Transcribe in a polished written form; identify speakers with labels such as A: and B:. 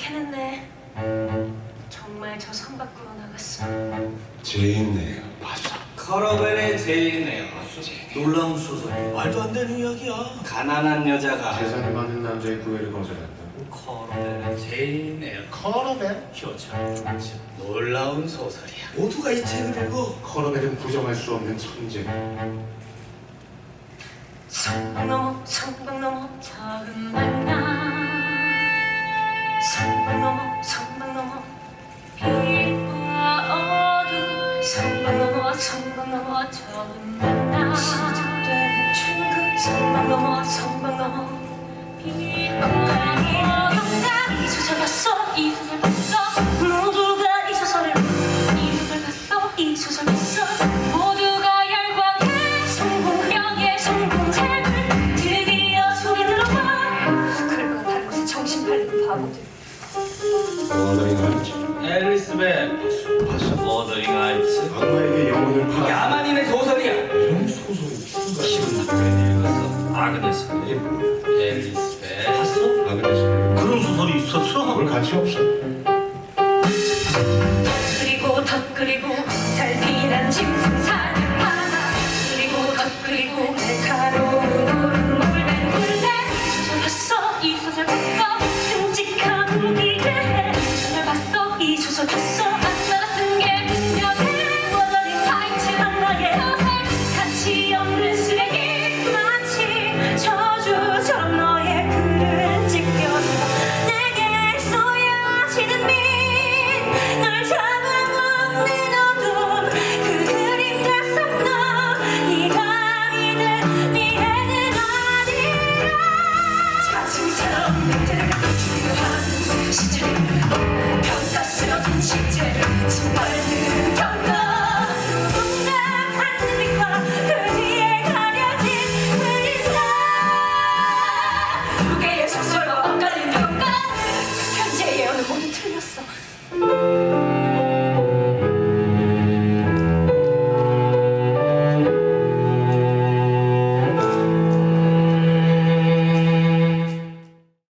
A: 해냈네. 정말 저 산 밖으로 나갔어.
B: 제인네요. 맞아.
C: 커러벨의 제인에요. 놀라운 소설.
D: 말도 안 되는 이야기야.
C: 가난한 여자가
B: 재산이 많은 남자의 구애를 거절한다고?
C: 커러벨의 제인에요.
D: 커러벨?
C: 효참. 놀라운 소설이야.
D: 모두가 이 책을 읽어.
B: 커러벨은 부정할 수 없는 천재.
A: 성벽 넘어 성벽 넘어 작은 만남. 성벽 넘어 성벽 넘어 빛과 어둠. 성벽 넘어 성벽 넘어 작은 만남. 시작되는 충급. 성벽 넘어 성벽 넘어 빛과 어둠. 이 소설 봤어 이 소설 봤어. 모두가 이 소설을 이 소설 봤어 이 소설 봤어. 모두가 열광해 성공형의 성공책을 드디어 소리 들어봐. 그럴 거 다른 곳에 정신 팔리는 바보들.
B: 워더링 하이츠.
C: 앨리스벳
B: 봤어?
C: 워더링 하이츠.
B: 악마에게 영혼을 팔아.
C: 야만인의 소설이야.
B: 이런 소설이
C: 기분 나쁘게 읽었어. 아그네스.
B: 이게 뭐야?
C: 앨리스벳 봤어?
B: 아그네스.
D: 그런 소설이 있었어?
B: 그럴 가치 없어.
A: 그리고 덧 그리고 살피난 짐승사는 하나. 그리고 덧 그리고 날카로운 물된 굴레. 이 소설 봤어 이 소설 봤어. 끔찍한 기대. 이 소설 봤어 이 소설 봤어.